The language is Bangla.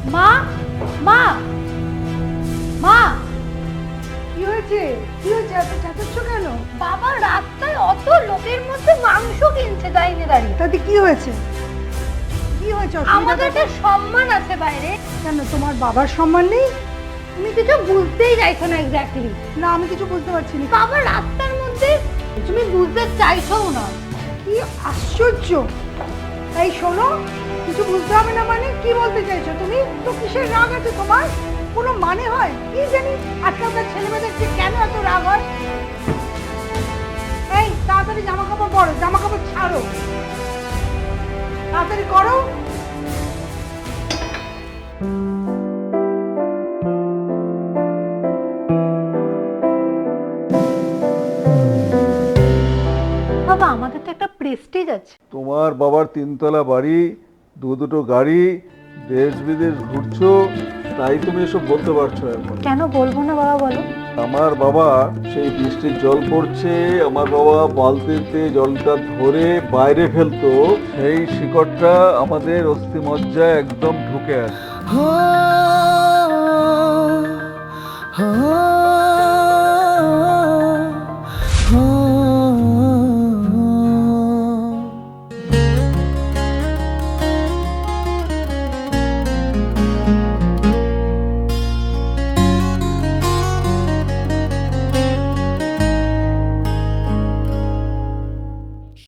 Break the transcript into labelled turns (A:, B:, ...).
A: মা, মা, মা, কি হয়েছে? কি হয়েছে? এত চেঁচাচ্ছ কেন? বাবা রাস্তায় অত লোকের মধ্যে মাংস কিনছে দাঁড়িয়ে দাঁড়িয়ে। তাতে কি হয়েছে? কি হয়েছে? আমাদের একটা সম্মান আছে বাইরে। কেন তোমার বাবার সম্মান নেই? তুমি কিছু বুঝতেই চাইছো না এক্স্যাক্টলি। না, আমি কিছু বুঝতে পারছি না। বাবা রাস্তার মধ্যে, তুমি বুঝতে চাইছো না। কি আশ্চর্য! এই শোনো, কিছু বুঝতে হবে না মানে কি বলতে চাইছো তুমি? তো কিসের রাগ আছে তোমার? কোনো মানে হয়? কি জানি আজকালকার ছেলেমেয়েদের যে কেন এত রাগ হয়? এই তাড়াতাড়ি জামা কাপড় পরো, জামা কাপড় ছাড়ো, তাড়াতাড়ি করো। বাবা আমাদের তো একটা প্রেস্টিজ আছে।
B: তোমার বাবার 3 তলা বাড়ি, দুটো গাড়ি, দেশ বিদেশ ঘুরছো, তাই তুমি এসব বলতে পারছো এখন।
A: কেন বলবো না বাবা, বলো।
B: আমার বাবা সেই বৃষ্টির জল পড়ছে, আমার বাবা বালতিতে জলটা ধরে বাইরে ফেলতো, সেই শিকড়টা আমাদের অস্থিমজ্জায় একদম ঢুকে আছে।